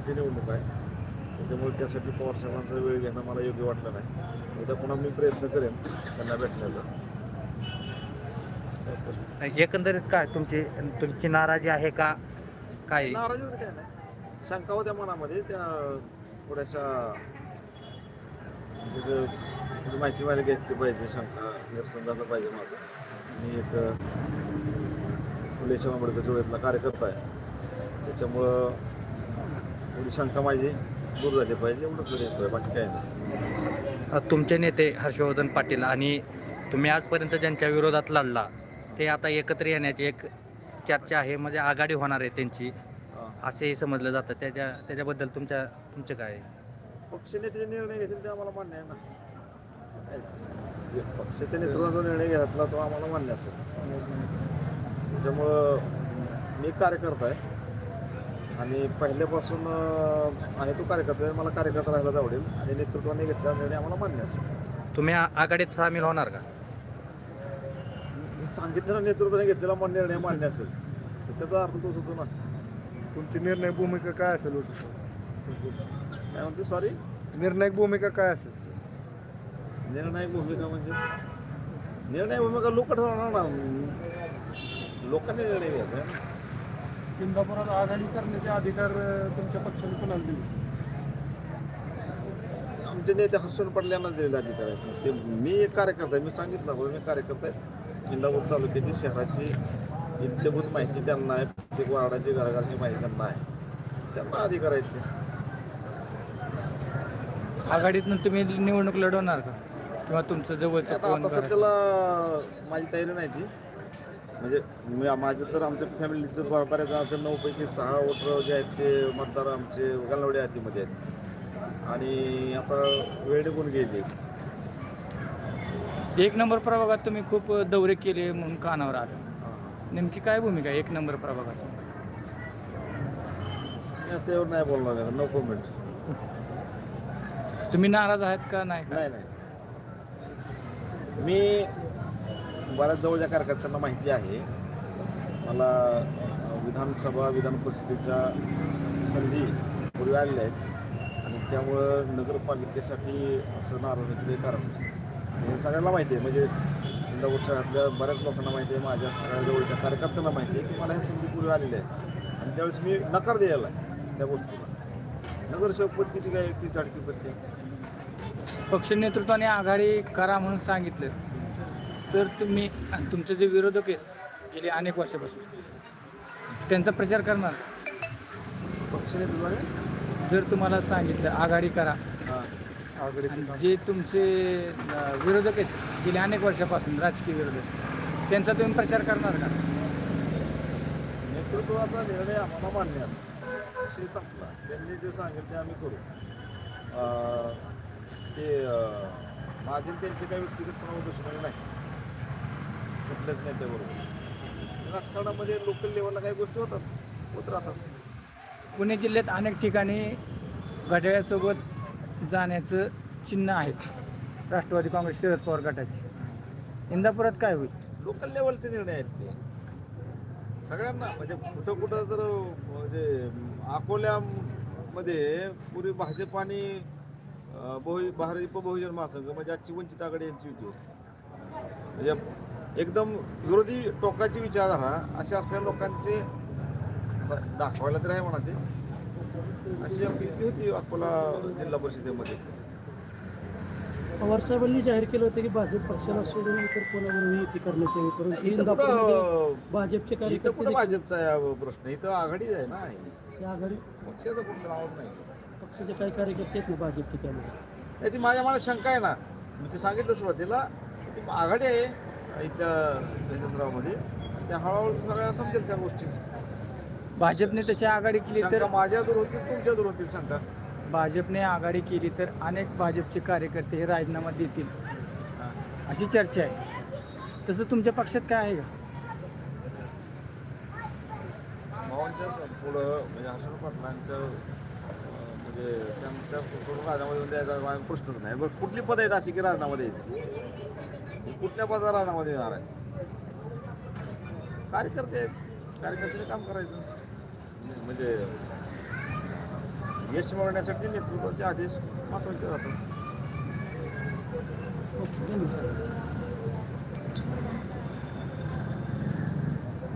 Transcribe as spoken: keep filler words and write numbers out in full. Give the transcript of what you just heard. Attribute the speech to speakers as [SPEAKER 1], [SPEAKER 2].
[SPEAKER 1] मोठी निवडणूक आहे. त्याच्यामुळे त्यासाठी पवारसाहेबांचा वेळ घेणं मला योग्य वाटलं नाही. उद्या पुन्हा मी प्रयत्न करेन त्यांना भेटण्याचा.
[SPEAKER 2] एकंदरीत काय तुमची तुमची नाराजी आहे का काय?
[SPEAKER 1] नाराजी वगैरे काय नाही, शंका होत्या मनामध्ये त्या थोड्याशा म्हणजे थोडी माहिती मला घेतली पाहिजे, शंका निरसन झालं पाहिजे माझं. मी एक फुले शाहू आंबेडकर चळवळीतला कार्यकर्ता आहे, त्याच्यामुळं थोडी शंका माझी दूर झाली पाहिजे एवढंच येतोय, बाकी काय नाही.
[SPEAKER 2] तुमचे नेते हर्षवर्धन पाटील आणि तुम्ही आजपर्यंत ज्यांच्या विरोधात लढला ते आता एकत्र येण्याची एक चर्चा आहे, म्हणजे आघाडी होणार आहे त्यांची असेही समजलं जातं. त्याच्या त्याच्याबद्दल तुमच्या तुमचं काय आहे?
[SPEAKER 1] पक्षाने जे निर्णय घेतील ते आम्हाला मान्य आहे ना. काय जे पक्षाच्या नेतृत्वाचा निर्णय घेतला तो आम्हाला मान्य असेल. त्याच्यामुळं मी कार्यकर्ता आहे आणि पहिल्यापासून आहे तो कार्यकर्ता आहे, मला कार्यकर्ता राहायलाच आवडेल आणि नेतृत्वाने घेतलेला निर्णय आम्हाला मान्य असेल.
[SPEAKER 2] तुम्ही आ- आघाडीत सामील होणार का?
[SPEAKER 1] मी सांगितलं ना, नेतृत्वाने घेतलेला मन निर्णय मान्य असेल तर त्याचा अर्थ तोच होतो ना.
[SPEAKER 3] तुमची निर्णय भूमिका काय असेल होती?
[SPEAKER 1] काय म्हणते, सॉरी,
[SPEAKER 3] निर्णायक भूमिका काय असेल?
[SPEAKER 1] निर्णायक भूमिका म्हणजे निर्णय भूमिका लोक ठरवणार ना, लोकांनी निर्णय घ्यायचा आहे.
[SPEAKER 3] इंदापुरात आघाडी करण्याचे अधिकार तुमच्या पक्षाने कोणाला दिले?
[SPEAKER 1] आमचे नेते हर्षण पडल्यांना दिलेले अधिकार आहेत. ते मी एक कार्यकर्ता आहे, मी सांगितलं बघ मी कार्यकर्ता आहे. इंदापूर तालुक्याची शहराची इत्यभूत माहिती त्यांना आहे, प्रत्येक वार्डाची घराघरची माहिती त्यांना आहे, त्यांना अधिकार आहेत ते.
[SPEAKER 2] आघाडीतून तुम्ही निवडणूक लढवणार का किंवा तुमचं जवळचं
[SPEAKER 1] आता
[SPEAKER 2] कोण
[SPEAKER 1] आता
[SPEAKER 2] घरात-
[SPEAKER 1] सध्याला माझी तयारी नाही ती, म्हणजे मी माझं तर आमच्या फॅमिलीचं ब- बऱ्याच जणांचं नऊपैकी सहा वोटर जे आहेत ते मतदार आमचे गलवडे हातीमध्ये आहेत आणि आता वेळ निघून गेली.
[SPEAKER 2] एक नंबर प्रभागात तुम्ही खूप दौरे केले म्हणून कानावर आलं,
[SPEAKER 1] हां,
[SPEAKER 2] नेमकी काय भूमिका आहे एक नंबर प्रभागाची?
[SPEAKER 1] हां, त्यावर नाही बोलणार मी, नो कमेंट.
[SPEAKER 2] तुम्ही नाराज आहात का नाही का?
[SPEAKER 1] नाही नाही मी बऱ्याच जवळच्या कार्यकर्त्यांना माहिती आहे, मला अ, विधानसभा विधान परिषदेच्या संधी पूर्वी आलेल्या आहेत आणि त्यामुळं नगरपालिकेसाठी असं नाराज होण्याचं काही कारण नाही. आणि हे सगळ्यांना माहिती आहे, म्हणजे इंदापूर शहरातल्या बऱ्याच लोकांना माहिती आहे, माझ्या सगळ्या जवळच्या कार्यकर्त्यांना माहिती आहे की मला ह्या संधी पूर्वी आलेल्या आहेत आणि त्यावेळेस मी नकार द्यायला आहे त्या गोष्टीला. नगरसेवक पद किती काय, ती टाटकी पद.
[SPEAKER 2] पक्ष नेतृत्वाने आघाडी करा म्हणून सांगितलं तर तुम्ही तुमचे जे विरोधक आहेत गेले अनेक वर्षापासून त्यांचा प्रचार करणार?
[SPEAKER 1] पक्षाने तुला
[SPEAKER 2] जर तुम्हाला सांगितलं आघाडी करा
[SPEAKER 1] हां
[SPEAKER 3] आघाडी
[SPEAKER 2] आणि जे तुमचे अं, विरोधक आहेत गेले अनेक वर्षापासून राजकीय विरोधक त्यांचा तुम्ही प्रचार करणार का?
[SPEAKER 1] नेतृत्वाचा निर्णय आम्हाला मान्य असेल, विषय संपला. त्यांनी जे सांगितले आम्ही करू. अं, ते अं, माझे आणि त्यांचे काही व्यक्तिगत कोणावर दुश्मनी नाही कुठल्याच नेत्याबरोबर. राजकारणामध्ये लोकल लेवलला काही गोष्टी होतात, होत राहतात.
[SPEAKER 2] पुणे जिल्ह्यात अनेक ठिकाणी घड्याळासोबत जाण्याचं चिन्ह आहेत राष्ट्रवादी काँग्रेस शरद पवार गटाची. इंदापुरात काय होईल?
[SPEAKER 1] लोकल लेवलचे निर्णय आहेत ते सगळ्यांना, म्हणजे कुठं कुठं जर म्हणजे अकोल्यामध्ये पूर्वी भाजप आणि अं, बहु भाजप बहुजन महासंघ म्हणजे आजची वंचित आघाडी यांची युती होती. म्हणजे एकदम विरोधी टोकाची विचारधारा अशा असलेल्या लोकांचे आता दाखवायला तर आहे म्हणा ते, अशी आपली युती होती अकोला जिल्हा परिषदेमध्ये.
[SPEAKER 4] पवारसाहेबांनी जाहीर केलं होतं की भाजप पक्षाला सोडून इतर कोणाबरोबर युती करण्याचे
[SPEAKER 1] इथं
[SPEAKER 4] परंतु
[SPEAKER 1] कुठं
[SPEAKER 4] भाजपचे
[SPEAKER 1] इथं
[SPEAKER 4] कार्यकर्ते
[SPEAKER 1] कुठं भाजपचा आहे प्रश्न, इथं आघाडीच आहे ना,
[SPEAKER 4] देखील या आघाडी
[SPEAKER 1] पक्षाचं कुठलं नावच नाही.
[SPEAKER 4] पक्षाचे काही कार्यकर्ते आहेत ना भाजपचे त्यामध्ये.
[SPEAKER 1] नाही, ती माझ्या मनात शंका आहे ना, मी ते सांगितलं सुरुवातीला, ती आघाडी आहे इथल्या यशस्रावमध्ये, त्या हळूहळू सगळ्या समजेल त्या गोष्टी.
[SPEAKER 2] भाजपने तशी आघाडी केली तर
[SPEAKER 1] शंका माझ्या दूर होतील, तुमच्या दूर होतील शंका.
[SPEAKER 2] भाजपने आघाडी केली तर अनेक भाजपचे कार्यकर्ते हे राजीनामा देतील अशी चर्चा आहे. तसं तुमच्या पक्षात काय आहे का?
[SPEAKER 1] भावांच्या पुढं म्हणजे हर्षण पाटलांच्या अं, म्हणजे त्यांच्या पुढं राजीनामा द्यायचा माझा प्रश्नच नाही. बरं, कुठली पद आहेत अशी की राजीनामा द्यायची? कुठल्या पदाला राजीनामा देणार आहे? कार्यकर्ते आहेत, कार्यकर्त्याने काम करायचं. म्हणजे यश मिळवण्यासाठी नेतृत्वाचे आदेश महत्त्वाचे राहतात.
[SPEAKER 4] ओके धन्यवाद.